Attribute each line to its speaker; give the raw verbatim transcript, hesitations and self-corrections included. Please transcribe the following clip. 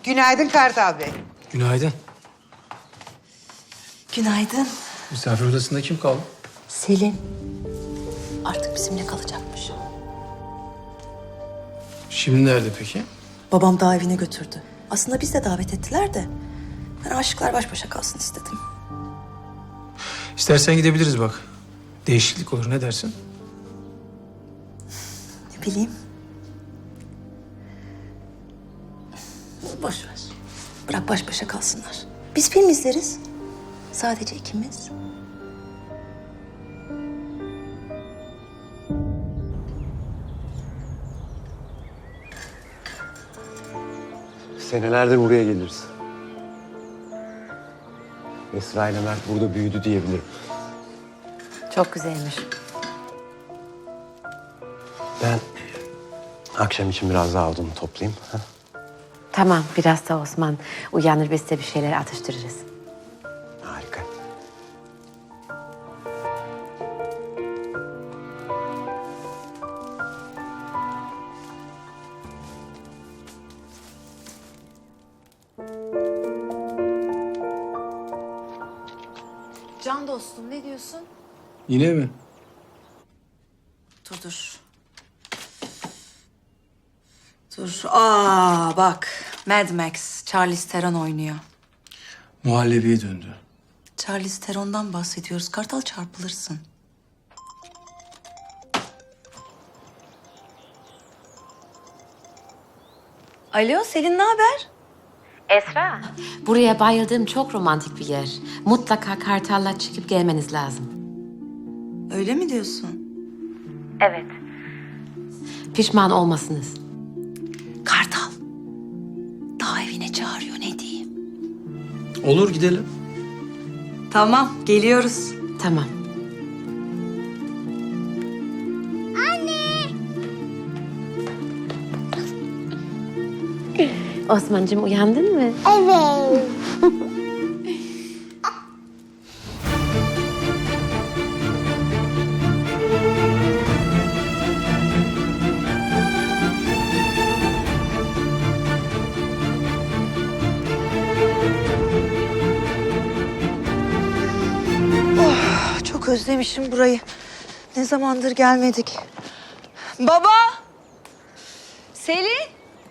Speaker 1: Günaydın Kartal Bey.
Speaker 2: Günaydın.
Speaker 3: Günaydın.
Speaker 2: Misafir odasında kim kaldı?
Speaker 3: Selin. Artık bizimle kalacakmış.
Speaker 2: Şimdi nerede peki?
Speaker 3: Babam daha evine götürdü. Aslında biz de davet ettiler de. Ben aşıklar baş başa kalsın istedim.
Speaker 2: İstersen gidebiliriz bak. Değişiklik olur, ne dersin?
Speaker 3: Ne bileyim. Boş ver. Bırak baş başa kalsınlar. Biz film izleriz. Sadece ikimiz.
Speaker 4: Senelerdir buraya geliriz. Esra ile Mert burada büyüdü diyebilirim.
Speaker 5: Çok güzelmiş.
Speaker 4: Ben akşam için biraz daha odunu toplayayım. Ha?
Speaker 5: Tamam, biraz da Osman uyanır, biz de bir şeyler atıştırırız.
Speaker 4: Harika.
Speaker 6: Can dostum ne diyorsun?
Speaker 2: Yine mi?
Speaker 3: Dur dur. Dur. Aa bak. Mad Max. Charlize Theron oynuyor.
Speaker 2: Muhallebiye döndü.
Speaker 3: Charlize Theron'dan bahsediyoruz. Kartal çarpılırsın. Alo Selin, ne haber?
Speaker 5: Esra. Buraya bayıldığım çok romantik bir yer. Mutlaka Kartal'la çıkıp gelmeniz lazım.
Speaker 3: Öyle mi diyorsun?
Speaker 5: Evet. Pişman olmasınız.
Speaker 3: Kartal. Daha evine çağırıyor, ne diyeyim?
Speaker 2: Olur, gidelim.
Speaker 3: Tamam, geliyoruz.
Speaker 5: Tamam. Anne! Osman'cığım uyandın mı?
Speaker 7: Evet.
Speaker 3: Çok özlemişim burayı. Ne zamandır gelmedik. Baba! Selin!